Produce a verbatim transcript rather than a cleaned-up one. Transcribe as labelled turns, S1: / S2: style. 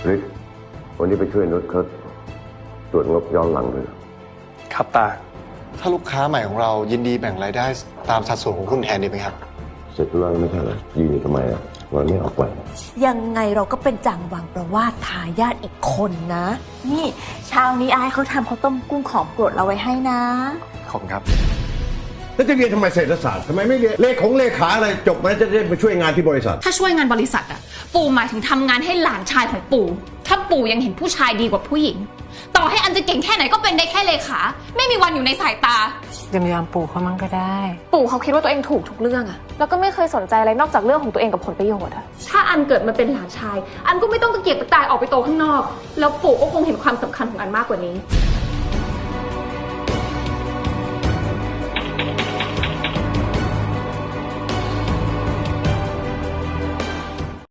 S1: ฤทธิ์วันนี้ไปช่วยนุชเขาตรวจงบย้อนหลังด้วย
S2: ครับตา
S3: ถ้าลูกค้าใหม่ของเรายินดีแบ่งรายได้ตามสัดส่วนของหุ้นแทนดีไหมครับ
S1: เสร็จแล้วไม่ใช่เหรอยืนอยู่ทำไมอ่ะวันไม่ออกไป
S4: ยังไงเราก็เป็นจังหวังประวาสทายาทอีกคนนะ
S5: นี่เช้านี้อายเขาทำข้าวต้มกุ้งของโปรดเราไว้ให้นะ
S2: ขอบคุณครับ
S6: แล้วจะเรียนทำไมเศรษฐศาสตร์ทำไมไม่เรียนเลขของเลขาอะไรจบมาแล้วจะได้ไปช่วยงานที่บริษัท
S7: ถ้าช่วยงานบริษัทอะปู่หมายถึงทำงานให้หลานชายของปู่ถ้าปู่ยังเห็นผู้ชายดีกว่าผู้หญิงต่อให้อันจะเก่งแค่ไหนก็เป็นได้แค่เลขาไม่มีวันอยู่ในสายตาย
S8: ำยำปู่เขามั่งก็ได้
S7: ปู่เขาคิดว่าตัวเองถูกทุกเรื่องอะแล้วก็ไม่เคยสนใจอะไรนอกจากเรื่องของตัวเองกับผลประโยชน์อะถ้าอันเกิดมาเป็นหลานชายอันก็ไม่ต้องตะเกียกตะกายออกไปโตข้างนอกแล้วปู่ก็คงเห็นความสำคัญของอันมากกว่านี้